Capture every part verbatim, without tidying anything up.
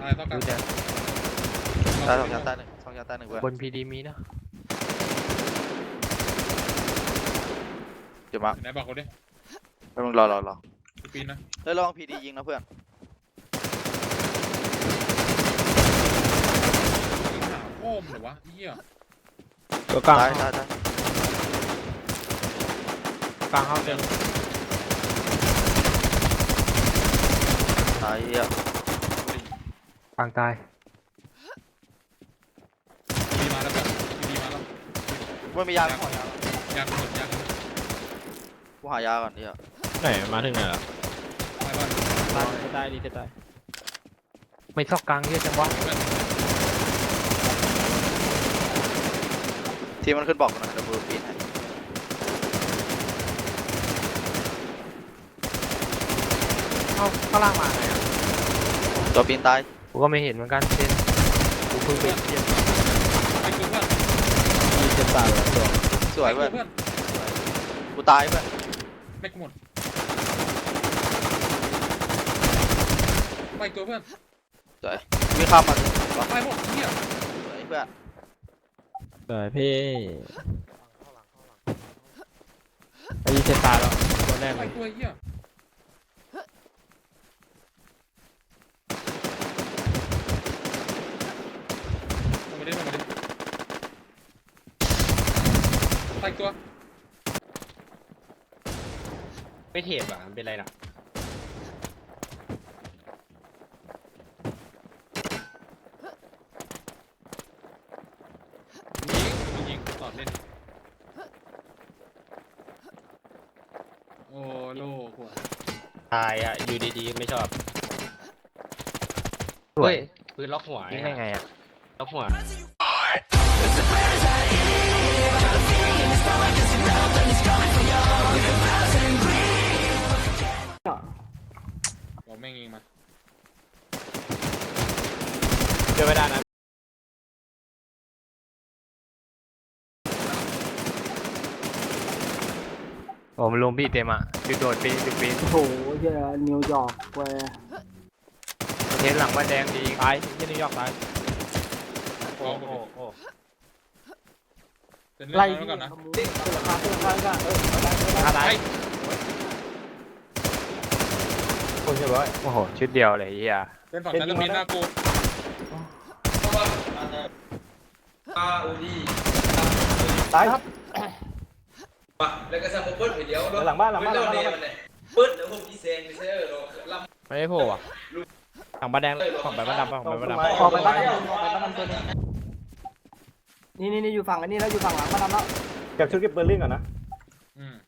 ต้องการตายสองยาตายหนึ่งสองยาตายหนึ่งเพื่อนบนพีดีมีนะเดี๋ยวมาไหนบอกเขาดิไปมึงรอรอรอปีนนะเฮ้ยระวังพีดียิงนะเพื่อนยิงหาโอ้มหรือวะเหี้ยตัวกลางตายตายตายกลางเข้าเต็มตายเหี้ยกลางตายปีมาแล้วแบบปีมาแล้วมันมียากูหายายางหมดยางหมดกูหายาก่อนเหี้ยไหนมาถึงไหนละไปบ้านตายจะตายดีจะตายไม่ซอกกลางเยอะจังวะทีมมันขึ้นบอกกันนะเดี๋ยวกูปีนให้เข้าข้างล่างมาไงอ่ะตัวปีนตายกูก็ไม่เห็นเหมือนกันเช่นกูเพิ่งไปเทียบไปตัวเพื่อนดีจะตายแล้วตัวสวยเพื่อนเพื่อนกูตายเพื่อนไม่หมดไปตัวเพื่อนสวยวิ่งข้ามมาไปหมดเหี้ยสวยเพื่อนสวยพี่ดีจะตายแล้วตัวแรกไปเลยตัวเหี้ยลงมาดิลงมาดิไปตัวไม่เทปอ่ะมันเป็นไรล่ะยิงยิงตอดเล่นโอ้โลกว่ะตายอ่ะอยู่ดีๆไม่ชอบสวยปืนล็อกหัวยิงได้ไงอ่ะล็อกหัวบอกแม่งยิงมาเจอไม่ได้นะโอ้มันลงพี่เต็มอ่ะจุดโดดปีนจุดปีนโหเหี้ยนิวยอร์กแวร์เทนหลังว่าแดงดีตายที่นิวยอร์กตายโอ้โอ้โหโหโอ้เป็นไล่เรื่องแล้วก่อนนะขโมยเสือคาเสือคากันเออเอาได้เอาได้ตายคนเรียบร้อยโอ้โหชุดเดียวเลยเฮียเป็นฝั่งนั้นจะมีหน้ากูตายครับแล้วก็สมบูรณ์เดียวหลังบ้านหลังบ้านหลังบ้านปึ๊ดแล้วผมพี่เซงไปเซอร์ลำไม่ได้โผล่อ่ะฝั่งบ้านแดงฝั่งไปบ้านดำฝั่งไปบ้านดำออกไปบ้านออกไปบ้านตัวนึงนี่นี่นี่อยู่ฝั่งอันนี้แล้วอยู่ฝั่งหลังบ้านแล้วเก็บชุดเก็บเบอร์ลิงก่อนนะอืม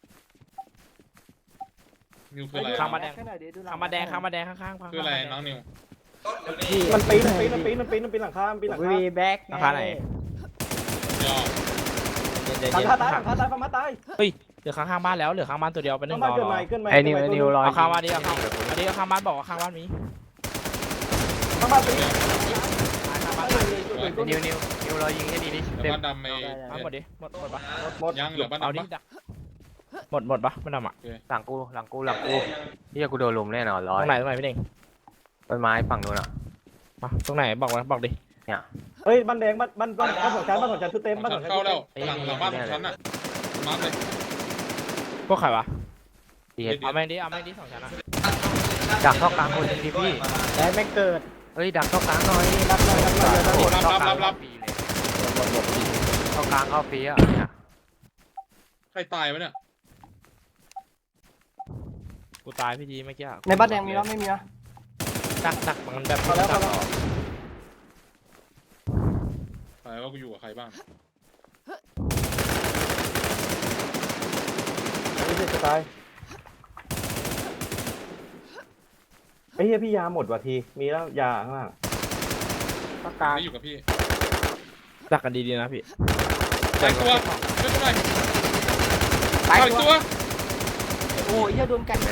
นิวคืออะไรข้างบ้านแดงแค่ไหนดีดูหลัข้างบ้านแดงข้างบ้านแดงข้างๆคืออะไรน้องนิวมันปีนมันปีนมันปีนมันปีนมันปีนหลังคามันปีนหลังคาวีแบ็กราคาไหนยอเย็นหลังเย็นคาตายหลังคาตายฝั่งมาตายเฮ้ยเหลือข้างๆบ้านแล้วเหลือข้างบ้านตัวเดียวเป็นหนึ่ข้างงบ้านรอเกินใหม่เกินใหม่ไอ้นิวไอ้นิวรอเอาข้างบ้านนี้เอาข้างอันนี้ข้างบ้านบอกว่าข้างบ้านมีข้างบ้านปีนข้างบ้านนิวนิวนิวรอยิงให้ดีดิแล้วเต็มบ้านดำไม่เอาหมดดิหมดหมดปะหมดยังเหลือบ้านเอาดำดิปะหมดหมดปะไม่ทำอ่ะหลังกูหลังกูหลังกูเฮียกูโดนลุมแน่นอนร้ตอรยงไหนตรงไหนพี่เด้งต้นไม้ฝั่งนู้นอ่ะมาตรงไหนบอกมาบอกดิเฮ้ยบ้านแดงบ้านบ้านบ้านบ้านของฉันบ้านของฉันชุดเต็มบ้านขฉัอน งฉันเข้าแล้วหลังหลังบ้านของฉันอ่ะมาร์คเลยพวกใครวะดีเห็นเอาแม่งดิเอาแม่งดิสองชั้นอ่ะดักเข้ากลางคนหนึ่งดิพี่แดงแม่งเกิดเฮ้ยดักเข้ากลางหน่อยรับเลยรับเลยรับเลยรับรับรับรับเข้ากลางเข้าฟรีอ่ะเนี่ยใครตายวะเนี่ยกูตายพี่ดีเมื่อกี้ในบ้านแดงมีแล้วไม่มีนะดักดักมันแบบพอแล้วพอแล้วตายว่ากูอยู่กับใครบ้างไม่ใช่จะตายไอ้เหี้ยพี่ยาหมดว่ะทีมีแล้วยาข้างล่างปากกาไม่อยู่กับพี่ดักกันดีๆนะพี่ตายตัวช่วยหน่อยตายตายตัวโอ้ยเหี้ยโดนกัน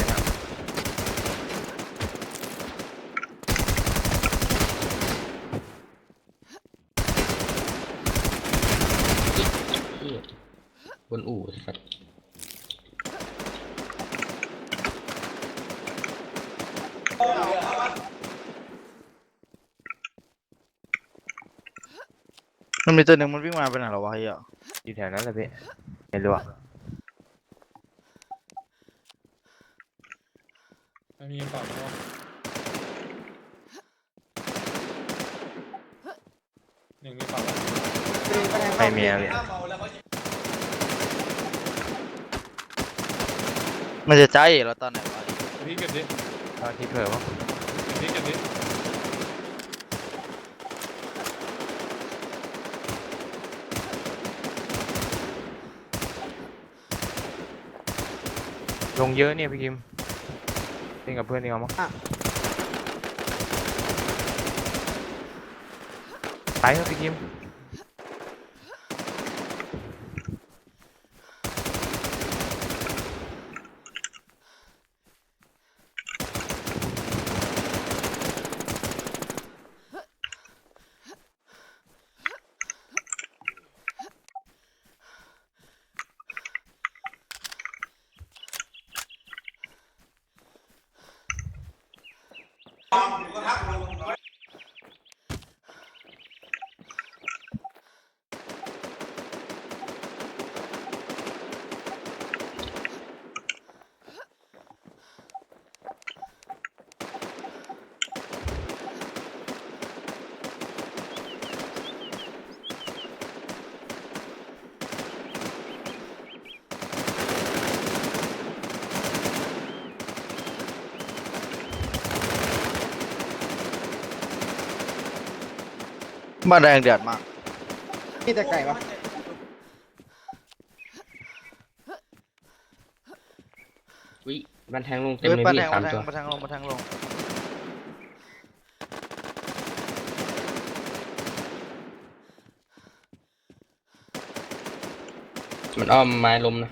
บนอู่ครับมันมีตัวหนึ่งมันวิ่งมาไปไหนหรอวะเฮียอยู่แถวนั้นเลยพี่ไม่รู้อะไม่มีฝั่งแล้วหนึ่งมีฝั่งแล้วไม่มีอะพี่มันจะใจเราตอนไหนวะพี่เก็บดิตอนที่เผลอมั้งเก็บดิเก็บดิลงเยอะเนี่ยพี่คิมเล่นกับเพื่อนนี่เอามั้งไปเถอะพี่คิมบ้านแดงเดือดมากพี่แต่ไก่ปะวิบันแทงลงเต็มเฮ้ยเลยบ้านพี่แทงสาบ้าม นแทงตัวบ้านแทงลงบ้านแทงลงมันอ้อมไม้ลมนะ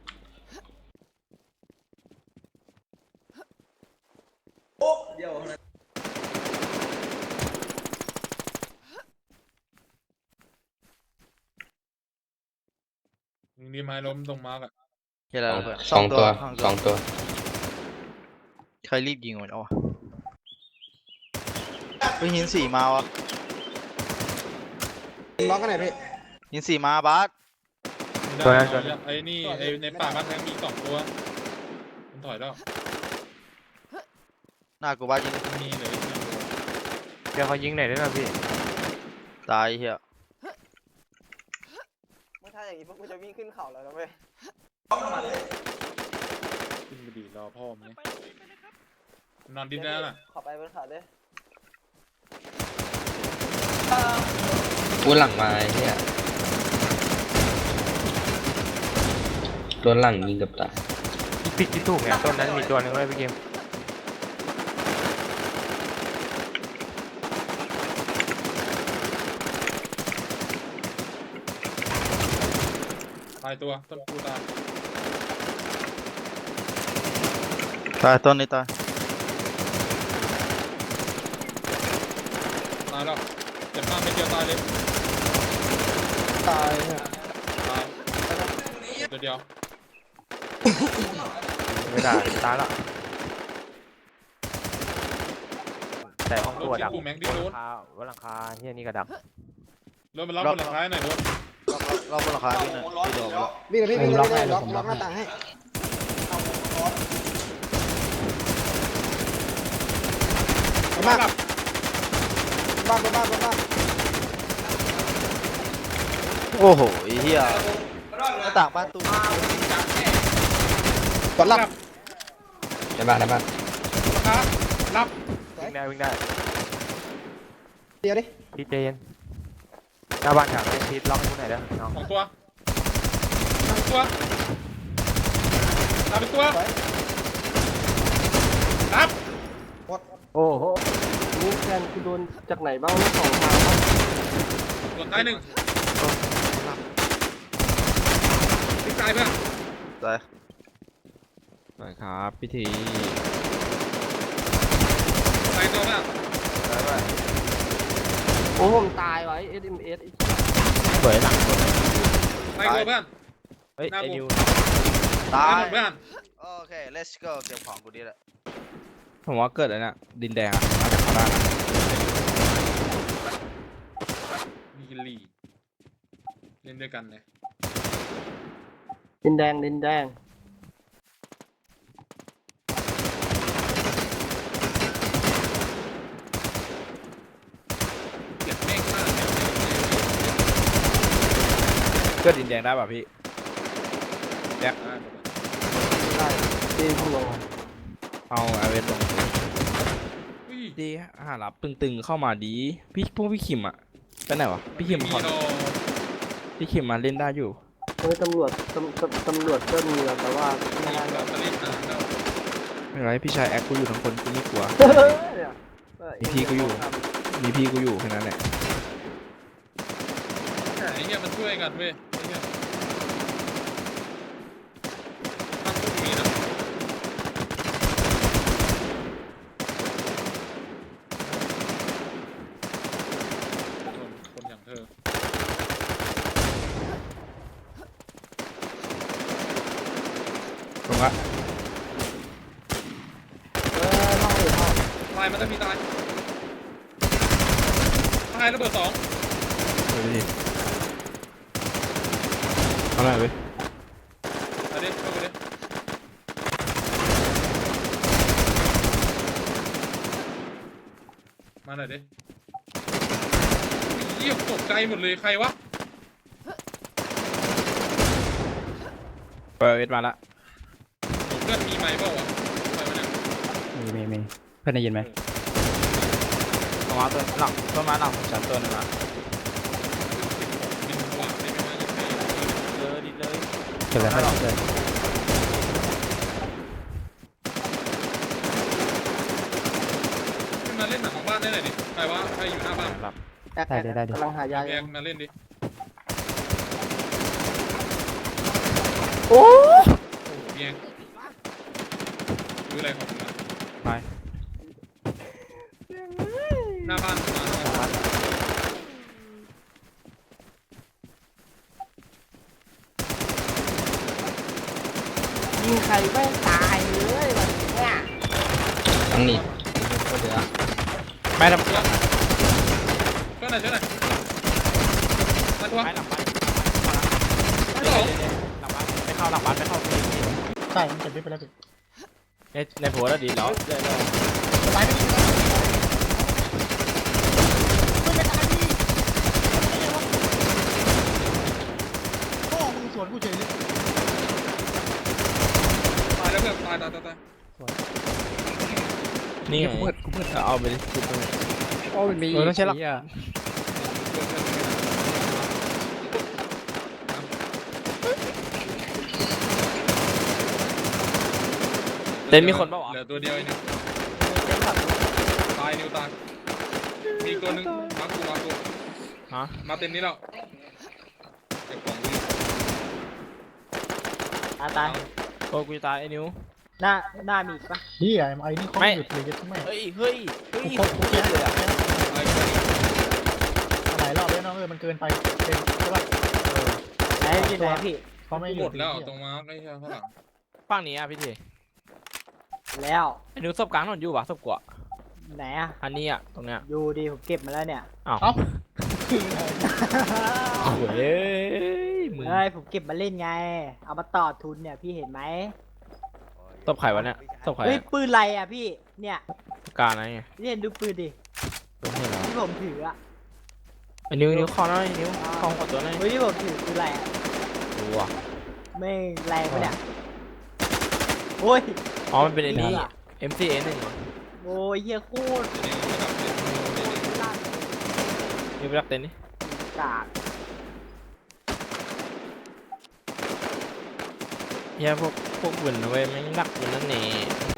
ยิงดีไม้ล้มตรงมาร์กอะเฮียอะไรวะเพื่อนสองตัวสองสองตัวใครรีบยิงมันเอาวะไปหินสี่มาวะล็อกกันไหนพี่หินสี่มาบาสไม่ได้เอาไอ้นี่ไอ้ในป่าบ้านแทงมีสองตัวมันถอยแล้วหน้ากูบาสยิงมีเลยเดี๋ยวเขายิงไหนอยด้วยนะพี่ตายเฮียไม่ถ้าอย่างนี้พวกกูจะวิ่งขึ้นเขาแล้วนะเว้ยขึ้นไปดีรอพ่อมั้ยนอนดินได้น่ะขอไปบนเขาด้วยกูหลังมาไอ้เนี่ยตัวหลังยิงกับตายผิดที่ถูกเนี่ยต้นนั้นมีตัวหนึงเลยพี่คิมตายตัวต้นกูตายตายต้นนี้ตายตายแล้วเจ็บมากไม่เดียวตายเลยตายเนี่ยตายเดี๋ยวเดียวไม่ได้ตายละแต่ห้องรตัวถดักกูแม็กดิบนโดหลันงคาบนหลังคาเฮียนี่ก็ดักรถมันรับบนหลังคาหน่อยรถเราบนราคาพี่หน่อยพี่โดนแล้ววิ่งเลยพี่วิ่งเลยล็อกล็อกหน้าต่างให้มากบ้านบ้านบ้านบ้านโอ้โหไอ้เฮียหน้าต่างบ้านตู้กดรับในบ้านในบ้านครับรับวิ่งได้วิ่งได้เดี๋ยวดิพี่เจนหน้าบ้านแถวนี้พีทล็อกให้กูหน่อยเด้อน้องสองตัวสองตัวตามไปตัวรับโอ้โหนี่แฟนกูโดนจากไหนบ้างเนี่ยสองทางครับกดตายหนึ่งทิ้งตายเพื่อนตายไปครับพิธีตายตัวเพื่อนตายไปโอ้ผมตายไว้ เอส เอ็ม เอสสวยหลังตายตัวเพื่อนเฮ้ยหน้าไอ้กูนิวตาตายยหมดเพื่อนโอเค let's go เก็บของกูดีแหละผมว่าเกิดอะไรน่ะดินแดงอะมาจากข้างล่างอะมีลีเล่นด้วยกันเลยดินแดงดินแดงเก็บเมฆมากก็ดินแดงได้ป่ะพี่แจ็คได้ตีพุ่งลงเอาไอเวสลงอุ้ยดีหารับตึงๆเข้ามาดีพี่พวกพี่คิมอะไปไหนวะพี่คิมมีขอโดพี่คิมมาเล่นได้อยู่เฮ้ยตำรวจตำตำตำรวจก็มีอะแต่ว่าไม่มีน่าแบจะตเตอรี่นานแล้วไม่เป็นไรพี่ชายแอคกูอยู่ทั้งคนกูไม่กลัวเนี่ยเออมีพี่ก็อยู่ มีพี่กูอยู่แค่นั้นแหละไอ้เหี้ยมันช่วยกันเว้ยไอ้เหี้ยถ้าพวกมีนะคนคนอย่างเธอตรงละเออล่องอยู่ห้องตายมันจะมีตายตายระเบิดสองเฮ้ยเอาหน่อยเว้ยเอาดิเข้าไปดิมาหน่อยดิเยี่ยมตกใจหมดเลยใครวะเปิดเวทมาละเพื่อนมีไม้เปล่าวะไปมาเนี่ยมีมีมีเพื่อนได้ยินไหมเอามาตัวหลังต้นไม้หลังฉันตัวหนึงนะบินหวานได้ไหมวะยังไงเลยดิเลยเกิดอะไรขึ้นเลยขึ้นมาเล่นหนังของบ้านได้หน่อยดิใครวะใครอยู่หน้าบ้านหลับแอคแอคกำลังหายาอแยยู่กมาเล่นดิโอ้โอ้โหแยกดูอะไรของมึงอะไปหน้าบ้านมาหน้าบ้านยิงใครไม่ตายเลยวันเนี้ยทั้งนี้ก็เหลือแม่ทำช่วยหน่อยช่วยหน่อยมาตัวไม้หลังบ้านมาสองหลังบ้านไม่เข้าหลังบ้านไม่เข้าใช่มันเก็บไปแล้วพี่ในในโพสแล้วดีแล้วตายไม่ดีไม่ตายพี่พ่อมึงสวนกูเฉยเลยตายแล้วเพื่อนตายตายตายตายนี่ไงเอาไปดิจุดไปเลยโอ้มันมีเออต้องใช้หลัก เต็นท์มีคนปะวะเหลือตัวเดียวเองเนี่ยตายนิวตายมีอีกตัวหนึงมากูมากูฮะมาเต็มนี้แล้วเก็บของดูตายตายโอ้กูจะตายไอ้นิ้วหน้าหน้ามีอีกปะเฮียไอ้นี่เขาไม่หยุดเลยจะทำไมเฮ้ยเฮ้ยเฮ้ยกูกูเก็บเลยอ่ะตายไปหลายรอบแล้วน้องเออมันเกินไปเต็มใช่ป่ะไหนพี่ไหนพี่เขาไม่หหยุมดดแล้วตรงมาร์กไอ้เหี้ยข้างหลังฝั่งนี้อ่ะพี่ทีแล้วไอ้นิ้วศพกลางถนนอยู่ปะศพกว่าไหนอะอันนี้อ่ะตรงเนี้ยอยู่ดีผมเก็บมาแล้วเนี่ยอ้าวเอ้าเฮ้ยมึงเฮ้ยผมเก็บมาเล่นไง เอามาต่อทุนเนี่ยพี่เห็นไหมศพใครวะเนี่ยศพใครเฮ้ยปืนอะไรอะพี่เนี่ยกลางอะไรไงพี่เห็นดูปืนดิตัวนี้เหรอที่ผมถืออะไอ้นิ้วนิ้วคอหน่อยนิ้วคอขอตัวหน่อยเฮ้ยที่ผมถือคืออะไรอะดูอ่ะไม่แรงปะเนี่ยโอ้ยอ๋อมันเป็นไอ้นี่ เอ็ม ซี เอ หนึ่งเหรอโอ้ยเหี้ยโคตรนิวระดับเจ็ดลั่นนิ้วไปรักเต็นท์นี่กากเฮียพวกพวกบุญนะเว้ยไม่งรักบุญนั่นเอง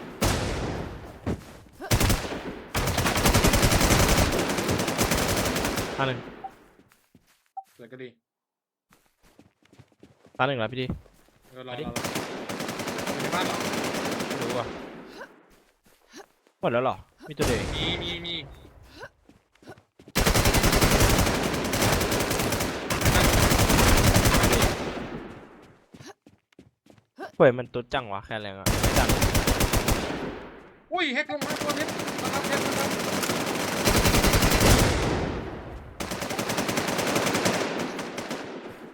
ท่าหนึ่งเลยก็ดีท่าหนึ่งแล้วพี่ดีเออรอรอรออยู่ในบ้านเหรอไม่รู้อ่ะหมดแล้วเหรอมีตัวเดียวเองมีมีมีเฮ้ยมันตุ๊ดจังวะแค่แรงอ่ะไม่จังอุ้ยแฮกลงมาตัวเนี้ยมาครับแฮกมาครับ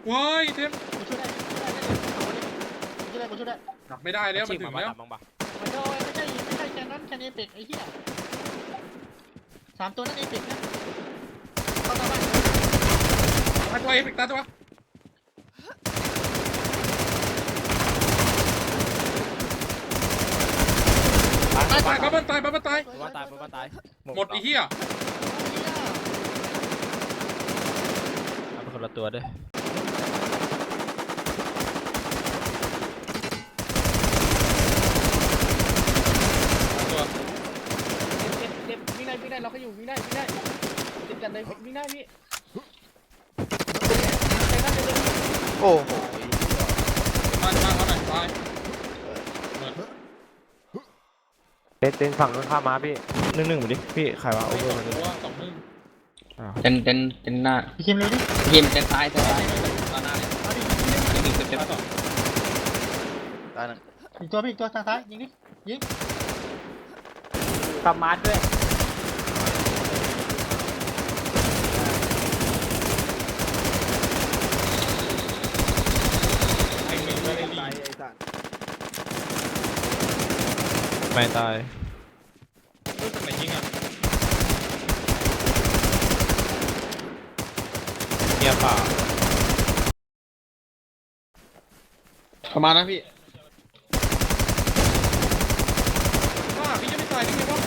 ว้ายเทมกูช่วยได้กูช่วยได้กูช่วยได้ดับไม่ได้แล้วมันถึงแล้วบ้างปะไม่โดนไม่ใช่ไม่ใช่แค่นั้นแค่เอพิกไอ้เหี้ยสามตัวนั้นเอพิกนะเข้ามาบ้านไปตัวเองปิดตาตัวตายตายบ้ามันตายบ้ามันตายบ้านตายบ้านตายหมดไอ้เหี้ยเอาไปคนละตัวด้วยตัวเจ็บเจ็บวิ่งได้วิ่งได้เราก็อยู่วิ่งได้วิ่งได้ติดกันเลยวิ่งได้พี่โอ้โหมามาเขาหน่อยตายเต้นเต้นฝั่งนู้นข้ามมาพี่หนึ่งหนึ่งดิพี่ใครวะโอ้โอ้โหโหตัวสองหนึ่งเต้นเต้นเต้นหน้าพี่คิมเร็วดิยิมเต้นซ้ายเต้นซ้ายตอนหน้าเลยเอาดิอันนี้หนึ่งเต็มเต็มตายสองตายหนึ่งอีกตัวพี่อีกตัวทางซ้ายยิงดิยิงขับมาร์ทด้วยไอ้หนึ่งไม่ได้ลีตายไอ้สัตว์ไม่ตายรู้สึกไหนยิงอ่ะเงียบเปล่าประมาณนะพี่ว้าพี่ยังไม่ตายได้ไงวะ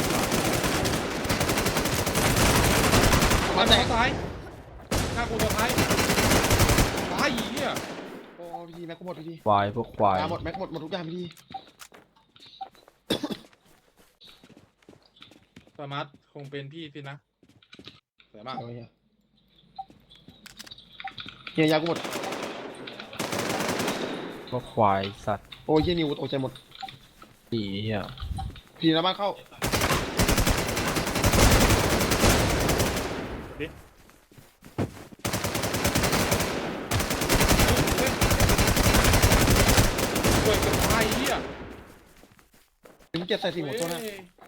มาแต่ตายฆ่ากูตัวท้ายตายอีเหี้ยโอ้พี่แม็กหมดพี่ควายพวกควายหมดแม็กหมดหมดทุกอย่างพี่สมาร์ทคงเป็นพี่สินะสวยมากเฮียยากูหมดพวกควายสัตว์โอ้ยเฮียนิวโอ้ใจหมดดีเหี้ยพี่น้ำมันเข้าช่วยกันตายเหี้ยถึงเจ็ดใส่สี่หัวตัวนะ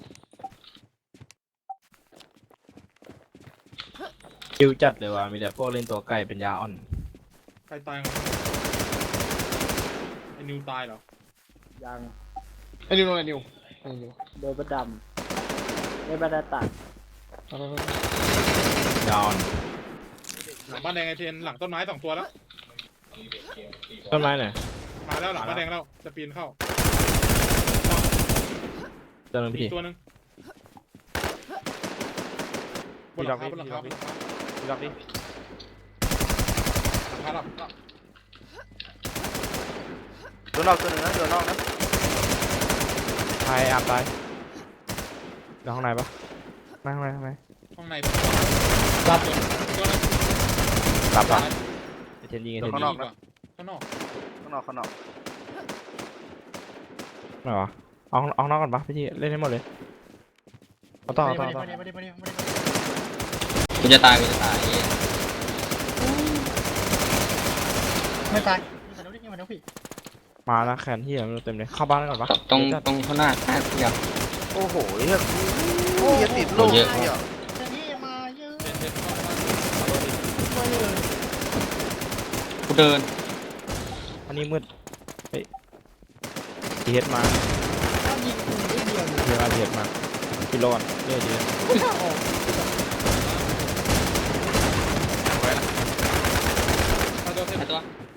คิวจัดเลยว่ะมีแต่พวกเล่นตัวไก่เป็นยาอ่อนใครตายไอ้นิวตายเหรอยังไอ้นิวโดนไอ้นิวไอ้นิวโดนประดำไม่ประดาตัดยาอ่อนหลังบ้านแดงไอเทนหลังต้นไม้สองตัวแล้วต้นไม้ไหนมาแล้วหลังบ้านแดงแล้วจะปีนเข้าเจ้าหน้าอีที่กตัวหนึ่งบนหลังคาบนหลังคาบนหลังคาดูรับดิหลังคาหลับตัวนอกตัวหนึ่งนะตัวนอกนะใครอาบตายเดี๋ยวข้างในปะนั่งข้างในข้างในข้างในหลับตัวนึงหลับปะไอเทนยิงไอเทนข้างยินอง กนะข้างนอกข้างนอกข้างนอกไหนวะเอาเอาข้างนอกก่อนปะพี่ที่เล่นให้หมดเลยเอาต่อเอาต่อเอาต่อกูจะตายกูจะตายเหี้ยไม่ตายนี่มาดูดินี่มาดูพี่มาแล้วแขนที่มันเต็มเลยเข้าบ้านก่อนปะตรงเดี๋ยวตรงข้างหน้าหน้าเดียวโอ้โหเฮียโอ้ยติดโลกเยอะเฮียแต่นี่มาเยอะเดินเดินเข้ามามาเลยกูเดินอันนี้มืดเฮ้ยทีเฮดมาถ้ายิงกูได้เดียวเลยเดี๋ยวมาทีเฮดมากิโลก่อนเรื่อยดีกูจะออกเอาตัวเทนไอ้ตัว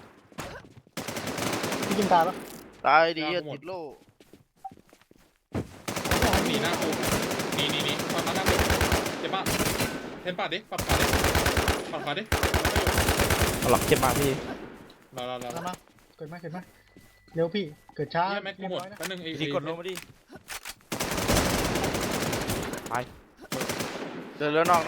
พี่กินตายปะตายดีเฮียติดโลกหนีหน้ากูหนีหนีหนีปัดมาหน้ากูเจ็บมากเทนปัดดิปัดขวาดิปัดขวาดิเอาหลักเจ็บมากพี่รอรอรอมาเกิดไหมเกิดไหมเร็วพี่เกิดช้าเฮียแม็กกูหมดแป๊บนึงไอ้พี่กดลงมาดิเดินเรือนอกนะ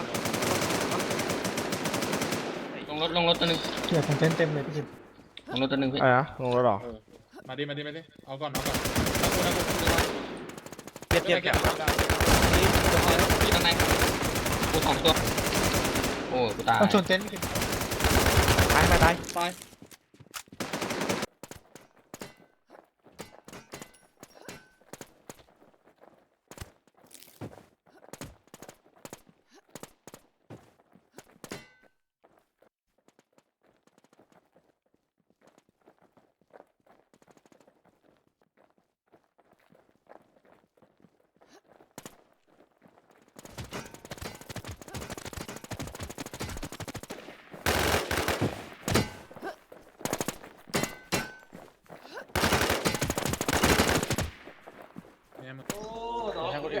ลงรถลงรถตัวหนึงเกียร์ของเต็มเต็มเลยพี่กินลงรถตัวหนึงพี่อะไรนะลงรถหรอเออมาดิมาดิมาดิเอาก่อนเอาก่อนแล้วกูแล้วกูเจ็บเจ็บเก็เจ็บบ ได้ที่ข้างในกูสองตัวโอ้กูตายต้องชนเต็นท์พี่กินตายตายตายตาย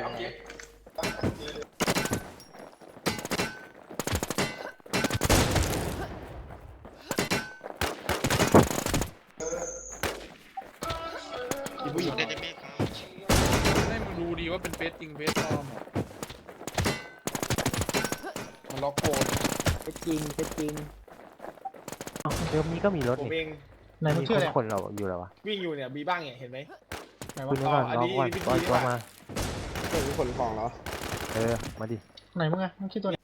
ผู้หญิงให้มึงดูดีว่าเป็นเฟสจริงเฟสปลอมอะมันล็อกโกนเป็นจริงเป็นจริงเดี๋ยวนี้ก็มีรถผมนี่เองไหนมึงมีชื่อคอะไรนคนเราอยู่แล้ววะวิ่งอยู่เนี่ยมีบ้างเนี่ยเห็นไหมไหนคุวะณนึกก่อนอันรอนี้ก่อนวิธีปล่อยตัวว่ามาเป็นขนของเหรอเออ มาดิไหนมึงอะมึงชื่อตัวไหน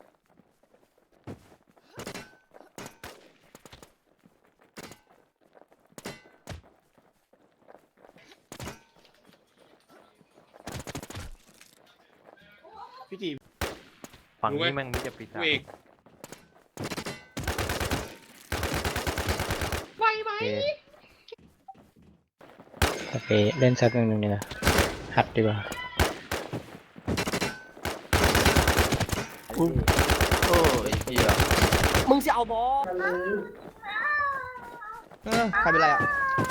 พี่จีฝั่งนี้แม่งมีจะปิดกูอ่ะเอกไวไหมโอเคโอเคเล่นสักหนึ่งหนึ่งเนี่ยหัดดีกว่าโอ้ยเฮียมึงจะเอาบอลเออใครเป็นไรอ่ะ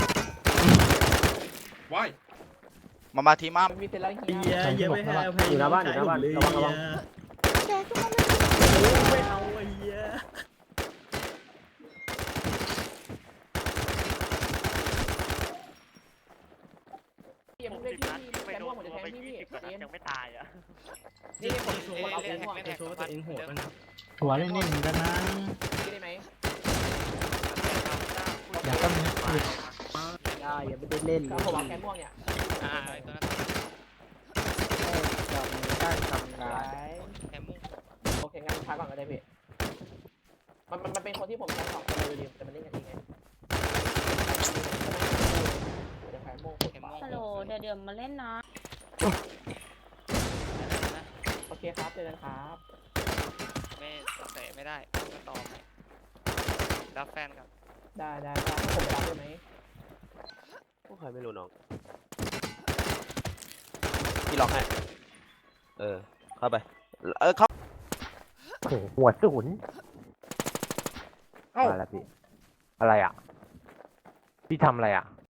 ว้ายมามาทีมามีเสร็จแล้วเฮียเยอะไปให้อภัยอยู่หน้าบ้านอยู่หน้าบ้านระวังระวังไม่เอาไอ้เหี้ย พี่ผมได้พี่แกม่วงผมจะแทงพี่พี่ยังไม่ตายอ่ะนี่ผมผมเอาผมม่วงโชว์ตัวเองโหดบ้างหัวเล่นๆกันนะพี่ได้ไหมอยากต้องมีได้ยังไม่ได้เล่นผมเอาแกม่วงเนี่ยอ่าไอ้ตัวนั้นได้ทำงานแคมมุ่งโอเคงั้นพักก่อนก็ได้พี่มันมันมันเป็นคนที่ผมแทงสองคนเลยดิแต่มันเล่นกันยังไงจะแพ้โม่แคมมุ่งฮัลโหลเดี๋ยวเดี๋ยวมาเล่นนะโอเคครับเจอกันครับไม่เตะไม่ได้ก็ต่อไปรับแฟนกับได้ได้ได้ให้ผมไปรับได้ไหมพวกใครไม่รู้น้องพี่ล็อกให้เออเข้าไปเออเข้าโอ้โหหัวศูนย์เอ้ามาแล้วพี่ อะไรอ่ะ พี่ทำอะไรอ่ะ